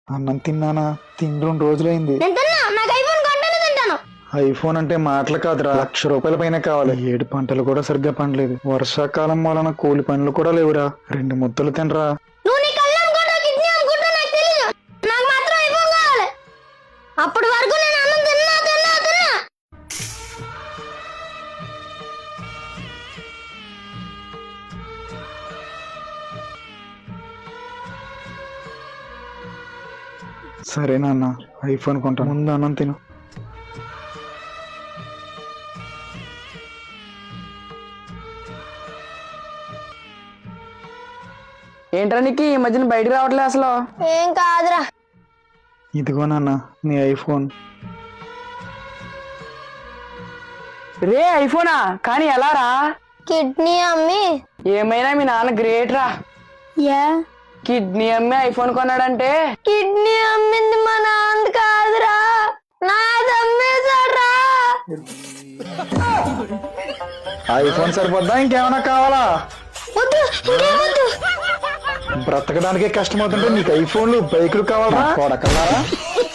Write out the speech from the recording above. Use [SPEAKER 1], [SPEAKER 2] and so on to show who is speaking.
[SPEAKER 1] అన్నం తిన్నానా? తిండి 2 రోజులైంది.
[SPEAKER 2] నేను తిన్నా, నాకు ఐఫోన్ కొంటేనే తింటాను.
[SPEAKER 1] ఐఫోన్ అంటే మాటలు కాదురా, ₹1,00,000 పైన కావాలి. 7 పంటలు కూడా సరిగ్గా పండలేదు. వర్షాకాలం వలన కూలి పనులు కూడా లేవురా. 2 ముద్దలు తినరా.
[SPEAKER 2] నువ్వు నీ కళ్ళు అమ్ముకుంటా, కిడ్నీ అమ్ముకుంటా నాకు తెలియదు. నాకు మాత్రం ఐఫోన్ కావాలి. అప్పటి వరకు నేను అన్నం తిన్నా తిన్నా తిన్నా.
[SPEAKER 1] సరే నాన్న, ఐఫోన్ కొంటా, ముందు అన్నం తిను.
[SPEAKER 3] ఏంట్రా నీకు ఈ మధ్యన బయటికి రావట్లేదు అసలు?
[SPEAKER 2] ఏం కాదురా.
[SPEAKER 1] ఇదిగో నాన్న నీ ఐఫోన్.
[SPEAKER 3] రే ఐఫోనా? కానీ ఎలా రా?
[SPEAKER 2] కిడ్నీ అమ్మి.
[SPEAKER 3] ఏమైనా మీ నాన్న గ్రేట్ రా.
[SPEAKER 2] యా,
[SPEAKER 3] కిడ్నీ అమ్మి ఐఫోన్ కొన్నాడంటే.
[SPEAKER 2] కిడ్నీ అమ్మింది మా నాన్న కాదురా, నాది అమ్మేశాడ్రా.
[SPEAKER 1] ఐఫోన్ సరిపోద్దా, ఇంకేమైనా కావాలా?
[SPEAKER 2] వద్దు, ఇంకేమొద్దు.
[SPEAKER 1] బ్రతకడానికే కష్టమవుతుంటే నీకు ఐఫోన్లు బైకులు కావాలా? కొడకల్లారా.